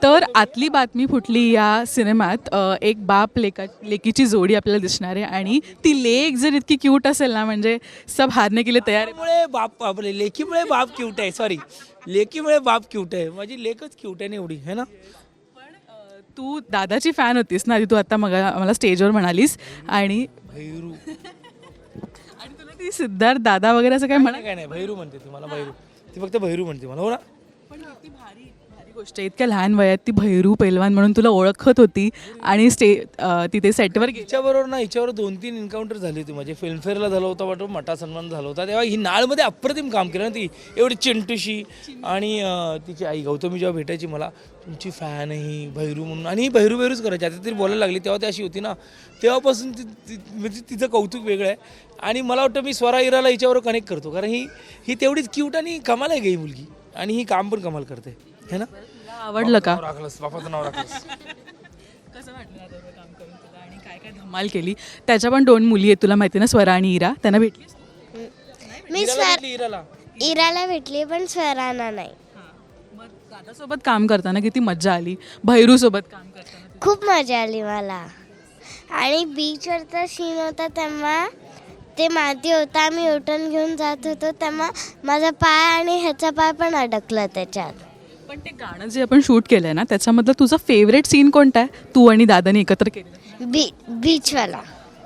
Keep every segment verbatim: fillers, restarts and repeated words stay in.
तर आतली बातमी फुटली या सिनेमात अ, एक बाप लेका लेकीची जोडी आपल्याला दिसणार आहे आणि ती लेक जर इतकी क्यूट असेल ना म्हणजे सब हारने के लिए तयार आहे. त्यामुळे बाप आपले लेकीमुळे बाप क्यूट आहे. सॉरी, लेकीमुळे बाप क्यूट आहे. माझी लेकच क्यूट आहे ना एवढी, है ना. तू दादाची फॅन होतीस ना आधी, तू आता मग मला स्टेजवर म्हणालीस आणि भैरू आणि तुला ती सिद्धार्थ दादा वगैरे असं काय म्हणा. काय नाही, भैरू म्हणते ती मला. भैरू ती फक्त भैरू म्हणते मला. हो ना. पण किती भारी भारी गोष्ट आहे, इतक्या लहान वयात ती भैरू पैलवान म्हणून तुला ओळखत होती आणि स्टे अ, तिथे सेटवर गेली. हिच्याबरोबर ना हिच्यावर दोन तीन एन्काउंटर झाली होती. म्हणजे फिल्मफेअरला झालं होतं वाटतं, मटा सन्मान झाला होता. तेव्हा ही नाळमध्ये अप्रतिम काम केलं ना ती, एवढी चिंटूशी. आणि अं, तिची आई गौतमी जेव्हा भेटायची मला, तुमची फॅन आहे ही भैरू म्हणून, आणि ही भैरू भैरूच करायची. आता तरी बोलायला लागली, तेव्हा ती अशी होती ना, तेव्हापासून ती ती- म्हणजे तिचं कौतुक वेगळं आहे. आणि मला वाटतं मी स्वरा इराला हिच्यावर कनेक्ट करतो, कारण ही ही तेवढीच क्यूट आणि कमाल आहे गई मुलगी, आणि ही काम पण कमाल करते, है ना. तुला आवडलं का? नाव राखलंस, बापाचं नाव राखलंस. कसं वाटलं दादाबरोबर काम करून तुला आणि काय काय धमाल केली? त्याच्या पण दोन मुली आहेत तुला माहिती ना, स्वरा आणि इरा. त्यांना भेटलीस? मी इराला स्वर भेटली, इराला. इराला भेटली पण स्वरांना नाही. मग दादासोबत काम करताना किती मज्जा आली, भैरूसोबत काम करताना? खूप मजा आली मला. आणि बीचवरचा सीन होता तेव्हा ते माती होता, आम्ही उठून घेऊन जात होतो तेव्हा माझा पाय आणि ह्याचा पाय पण अडकला त्याच्यात. पण ते गाणं जे आपण शूट केलंय ना त्याच्यामधलं तुझं फेवरेट सीन कोणता आहे, तू आणि दादाने एकत्र केलेलं? बी बीचवाला.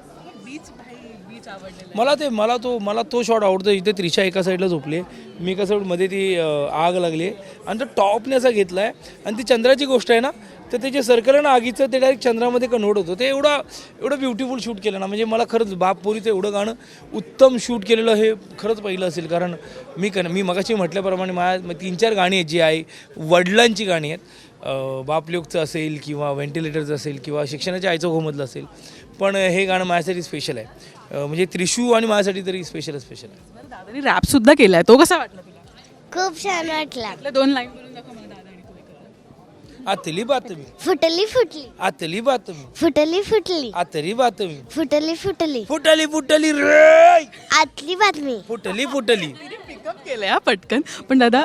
मला ते मला तो मला तो शॉट आवडतो. इथे त्रिशा एका साईडला झोपली आहे, मी एका साईड मध्ये ती अं, आग लागली आहे आणि तो टॉपने असा घेतला आहे. आणि ती चंद्राची गोष्ट आहे ना, तर ते जे सर्कल आहे ना आगीचं, ते डायरेक्ट चंद्रामध्ये कन्व्हर्ट होतं. ते एवढं एवढं ब्युटिफुल शूट केलं ना, म्हणजे मला खरंच बाप पोरीचं एवढं गाणं उत्तम शूट केलेलं हे खरंच पहिलं असेल. कारण मी कन मी मगाशी म्हटल्याप्रमाणे माझ्या तीन चार गाणी आहेत जी आहे वडिलांची गाणी आहेत. अं, बापलोकचं असेल किंवा व्हेंटिलेटरचं असेल किंवा शिक्षणाच्या आईचं घोमधलं असेल, पण हे गाणं माझ्यासाठी स्पेशल आहे. अं, म्हणजे त्रिशू आणि माझ्यासाठी तरी स्पेशल स्पेशल आहे. दादाने रॅप सुद्धा केलाय, तो कसा वाटला तुला? खूप छान वाटला. आपल्या दोन लाईन बोलून दाखव मला, दादा आणि तू एकत्र. आतली बातमी, फुटली फुटली आतली बातमी, फुटली फुटली आतली बातमी, फुटली फुटली फुटली फुटली रे, आतली बातमी. फुटली फुटली. पिकअप केलंय हा पटकन. पण दादा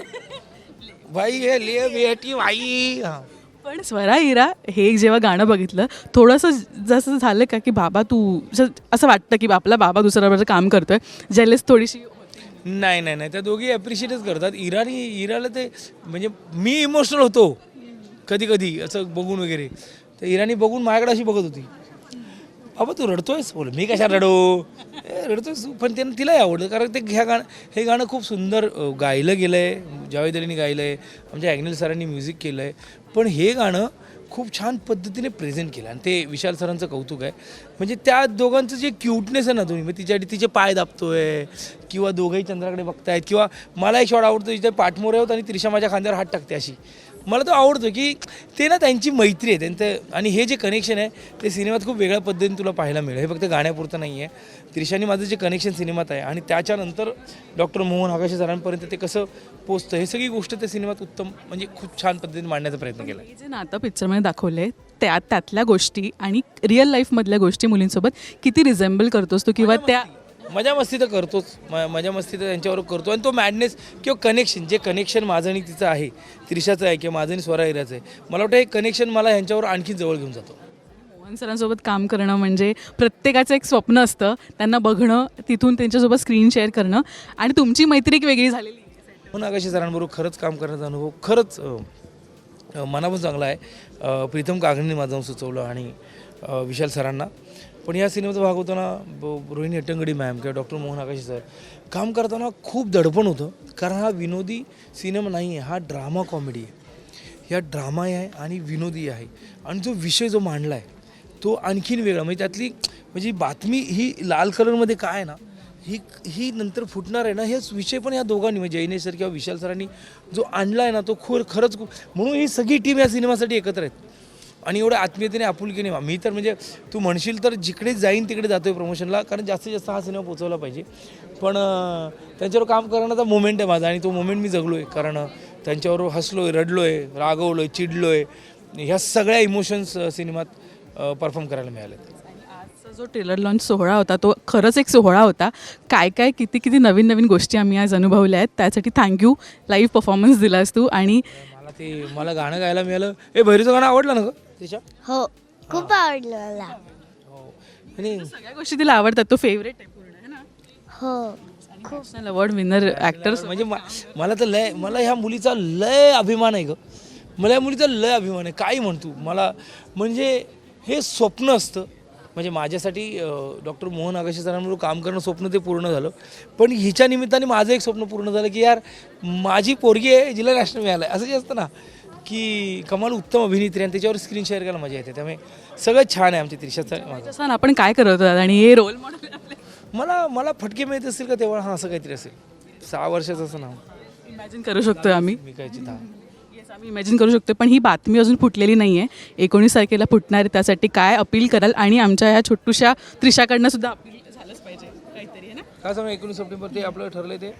भाई हे ले बेटी भाई. हा. पण स्वरा इरा हे जेव्हा गाणं बघितलं थोडंसं जसं झालं का की बाबा तू असं असं वाटतं की आपला बाबा दुसऱ्याबरोबर काम करतोय, जेलेस थोडीशी होती? नाही नाही नाही, त्या दोघी ॲप्रिशिएटच करतात. इराणी इराला ते म्हणजे मी इमोशनल होतो कधी कधी असं बघून वगैरे, तर इराणी बघून माझ्याकडे अशी बघत होती, बाबा तू रडतोयस. बोल मी कशा रडो, ए, रडतोयस तू. पण त्यानं तिलाही आवडलं, कारण ते ह्या गाणं हे गाणं खूप सुंदर अ, गायलं गेलं आहे. जावेद अलीने गायलं आहे, आमच्या ॲग्नेल सरांनी म्युझिक केलं आहे. पण हे गाणं खूप छान पद्धतीने प्रेझेंट केलं आणि ते विशाल सरांचं कौतुक आहे. म्हणजे त्या दोघांचं जे क्यूटनेस आहे ना, तुम्ही मग तिच्या तिचे पाय दाबतोय किंवा दोघंही चंद्राकडे बघतायत, किंवा मला एक शॉट आवडतो जिथे पाठमोरे होत आणि त्रिशा माझ्या खांद्यावर हात टाकते अशी. मला तो आवडतो की ते ना त्यांची मैत्री आहे त्यांचं, आणि हे जे कनेक्शन आहे ते सिनेमात खूप वेगळ्या पद्धतीने तुला पाहायला मिळेल. हे फक्त गाण्यापुरतं नाही आहे. त्रिशाने माझं जे कनेक्शन सिनेमात आहे आणि त्याच्यानंतर डॉक्टर मोहन आगाशे सरांपर्यंत ते कसं पोचतं, हे सगळी गोष्ट त्या सिनेमात उत्तम म्हणजे खूप छान पद्धतीने मांडण्याचा प्रयत्न केला आहे. हे जे नातं पिक्चरमध्ये दाखवले त्या त्यातल्या गोष्टी आणि रिअल लाईफमधल्या गोष्टी मुलींसोबत किती रिझेंबल करतोस तू, किंवा त्या मजा मस्ती तर करतोच, म मजा मस्ती तर त्यांच्यावर करतो. आणि तो मॅडनेस किंवा कनेक्शन, जे कनेक्शन माझं आणि तिचं आहे, त्रिशाचं आहे किंवा माझं आणि स्वरा हिराचं आहे, मला वाटतं हे कनेक्शन मला ह्यांच्यावर आणखी जवळ घेऊन जातो. मोहन सरांसोबत काम करणं म्हणजे प्रत्येकाचं एक स्वप्न असतं, त्यांना बघणं, तिथून त्यांच्यासोबत स्क्रीन शेअर करणं, आणि तुमची मैत्री एक वेगळी झालेली आहे. म्हणून आकाशी सरांबरोबर खरंच काम करण्याचा अनुभव खरंच अ, अ, मनापासून चांगला आहे. अ, प्रीतम कागणीने माझं नाव सुचवलं आणि अ, विशाल सरांना. पण या सिनेमाचा भाग होताना ब रोहिणी हट्टंगडी मॅम किंवा डॉक्टर मोहन आकाशी सर काम करताना खूप दडपण होतं, कारण हा विनोदी सिनेमा नाही आहे, हा ड्रामा कॉमेडी आहे. या ड्रामा आहे आणि विनोदी आहे, आणि जो विषय जो मांडला आहे तो आणखीन वेगळा. म्हणजे त्यातली म्हणजे बातमी ही लाल कलरमध्ये काय आहे ना, ही ही नंतर फुटणार आहे ना, हेच विषय पण या दोघांनी म्हणजे जैनेश सर किंवा विशाल सरांनी जो आणला आहे ना, तो खोर खरंच खूप. म्हणून ही सगळी टीम या सिनेमासाठी एकत्र आहेत आणि एवढ्या आत्मीयतेने आपुलकीने. मी तर म्हणजे तू म्हणशील तर जिकडे जाईन तिकडे जातो आहे प्रमोशनला, कारण जास्तीत जास्त हा सिनेमा पोचवला पाहिजे. पण अं, त्यांच्यावर काम करण्याचा मोमेंट आहे माझा, आणि तो मोमेंट मी जगलो आहे. कारण अं, त्यांच्यावर हसलो आहे, रडलो आहे, रागवलो आहे, चिडलो आहे. ह्या सगळ्या इमोशन्स सिनेमात परफॉर्म करायला मिळाले. आजचा जो ट्रेलर लॉन्च सोहळा होता तो खरंच एक सोहळा होता. काय काय किती किती नवीन नवीन गोष्टी आम्ही आज अनुभवल्या आहेत, त्यासाठी थँक्यू. लाईव्ह परफॉर्मन्स दिलास तू, आणि मला ते मला गाणं गायला मिळालं. ए भैरीचं गाणं आवडलं ना ग त्याच्या? हो खूप आवडलं मला. हो आणि सगळ्या गोष्टी तिला आवडतात. तो फेवरेट आहे पूर्ण आहे ना. हो नॅशनल अवॉर्ड विनर ॲक्टर. म्हणजे मा- मला तर लय मला ह्या मुलीचा लय अभिमान आहे ग. मला या मुलीचा लय अभिमान आहे. काही म्हणतो मला म्हणजे हे स्वप्न असतं. म्हणजे माझ्यासाठी डॉक्टर मोहन आगाशे सरांबरोबर काम करणं स्वप्न ते पूर्ण झालं. पण हिच्या निमित्ताने माझं एक स्वप्न पूर्ण झालं की यार माझी पोरगी आहे जिला नॅशनल मिळालं आहे. असं जे असतं ना की कमाल उत्तम अभिनेत्री आणि त्याच्यावर स्क्रीन शेअर करायला मजा येते. त्यामुळे सगळं छान आहे आमच्या त्रिशाचं माझं. तसं आपण काय करत होतात आणि हे रोल मॉडेल आपले मला मला फटके मिळत असतील का तेव्हा हां असं काहीतरी असेल. सहा वर्षाचं असं नाव इमॅजिन करू शकतो आम्ही. मी कायची दहा. येस आम्ही इमॅजिन करू शकतो. पण ही बातमी अजून फुटलेली नाही आहे. एकोणीस तारखेला फुटणार आहे. त्यासाठी काय अपील कराल आणि आमच्या ह्या छोटूशा त्रिशाकडनं सुद्धा अपील झालंच पाहिजे काहीतरी आहे ना. काय सांगा एकोणीस सप्टेंबर ते आपलं ठरलंय ते.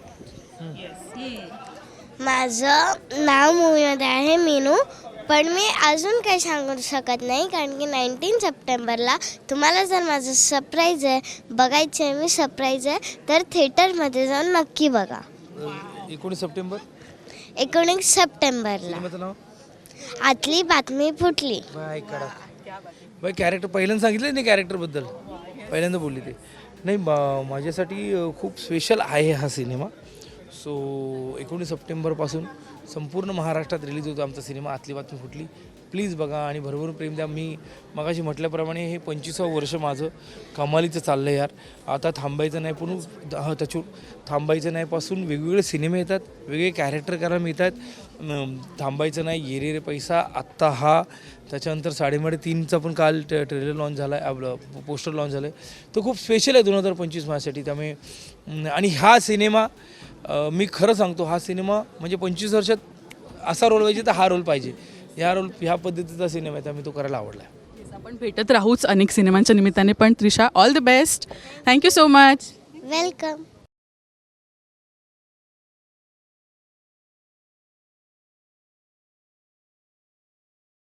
माझं नाव मूवीमध्ये आहे मीनू. पण मी अजून काही सांगू शकत नाही कारण की नाईन्टीन सप्टेंबरला तुम्हाला जर माझं सरप्राईज आहे बघायचं आहे मी सरप्राईज आहे तर थिएटरमध्ये जाऊन नक्की बघा. एकोणीस सप्टेंबर एकोणीस सप्टेंबरला सिनेमाचं नाव आतली बातमी फुटली. बाय कडा बाय कॅरेक्टर पहिल्यांदा सांगितलं नाही कॅरेक्टरबद्दल पहिल्यांदा बोलली ते नाही बा- माझ्यासाठी अ, खूप स्पेशल आहे हा सिनेमा. सो एकोणीस सप्टेंबरपासून संपूर्ण महाराष्ट्रात रिलीज होतो आमचा सिनेमा आतली बातमी फुटली. प्लीज बघा आणि भरभरून प्रेम द्या. मी मगाशी म्हटल्याप्रमाणे हे पंचवीसावं वर्ष माझं कमालीचं चाललं आहे यार. आता थांबायचं नाही पण हा त्याच्या थांबायचं नाही पासून वेगवेगळे सिनेमे येतात वेगवेगळे कॅरेक्टर करायला मिळतात. अं, थांबायचं नाही ये रे रे पैसा आत्ता हा त्याच्यानंतर साडेमाडे तीनचा पण काल ट ट्रेलर लॉन्च झाला आहे आपलं पोस्टर लॉन्च झालं आहे. तो खूप स्पेशल आहे दोन हजार पंचवीस माझ्यासाठी. त्यामुळे अं, आणि हा सिनेमा अं, मी खरं सांगतो हा सिनेमा म्हणजे पंचवीस वर्षात असा रोल पाहिजे तर हा रोल पाहिजे. ह्या रोल ह्या पद्धतीचा सिनेमा आहे त्यामुळे तो करायला आवडला आहे. Yes, आपण भेटत राहूच अनेक सिनेमांच्या निमित्ताने. पण Trisha all the best. Thank you so much. Welcome.